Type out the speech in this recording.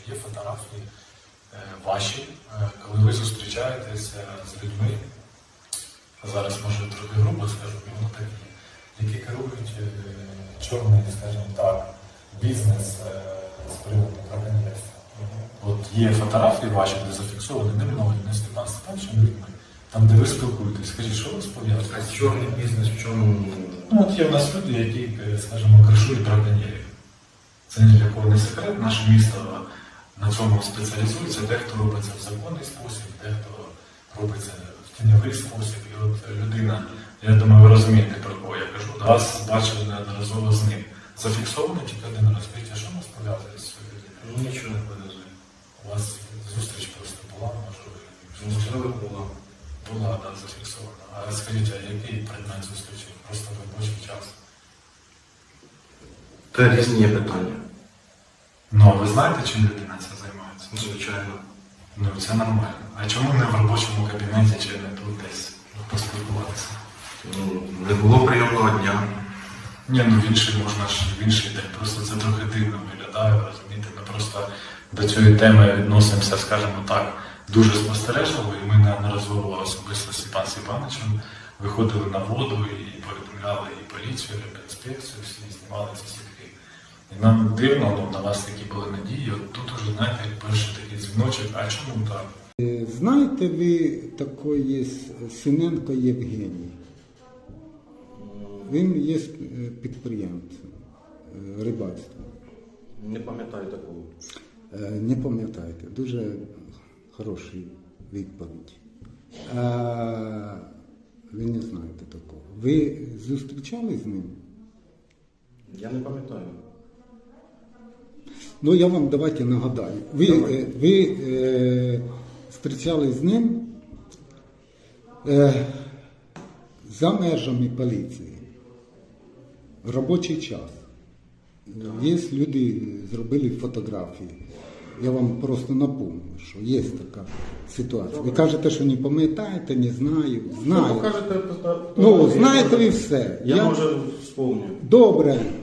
є фотографії ваші, коли ви зустрічаєтеся з людьми, зараз може трохи грубо скажу, воно так є, які керують чорний, скажімо так, бізнес з приводу браконьєрства. От є фотографії ваші, де зафіксовані не мною, не Степан Степановичем людьми, там, де ви спілкуєтесь. Скажіть, що вас пов'язує? А чорний бізнес в чому? Ну, от є в нас люди, які, скажімо, кришують браконьєрів. Це ні для кого не секрет. Наше місто на цьому спеціалізується. Дехто робить це в законний спосіб, дехто робить це в тіньовий спосіб. І от людина, я думаю, ви розумієте, про кого я кажу. Вас бачили неодноразово з ним. Зафіксовано тільки один раз. Скажіть, що нас пов'язує з цією людиною? Нічого не пов'язує. У вас зустріч просто була, можливо? Можливо, була. Була, так, зафіксована. А скажіть, а який предмет зустрічі? Просто в робочий час? Це різні є питання. Ну, а ви знаєте, чим людина це займається? Звичайно. Ну, це нормально. А чому не в робочому кабінеті чи не тут десь поспілкуватися? Ну, не було прийомного дня. Ні, ну в інший можна ж в інший день. Просто це трохи дивно виглядає, розумієте? Ми просто до цієї теми відносимося, скажімо так, дуже спостережливо, і ми неодноразово особисто з Степаном Степановичем виходили на воду і повідомляли і поліцію, і інспекцію, всі знімали ці сітки. І нам дивно, ну, на вас такі були надії, от тут уже, знаєте, перший такий дзвіночок, а чому так? Знаєте ви такої Синенко Євгеній? Він є підприємцем рибальства. Не пам'ятаю такого. Не пам'ятаєте, дуже хороша відповідь. Ви не знаєте такого. Ви зустрічались з ним? Я не пам'ятаю. Ну, я вам давайте нагадаю. Ви зустрічались з ним за межами поліції. В робочий час. Є люди, зробили фотографії. Я вам просто напомню, що є така ситуація. Ви кажете, що не пам'ятаєте, не знаю. Знаю. Ви кажете, Ну, знаєте ви все. Я може вспомню. Добре.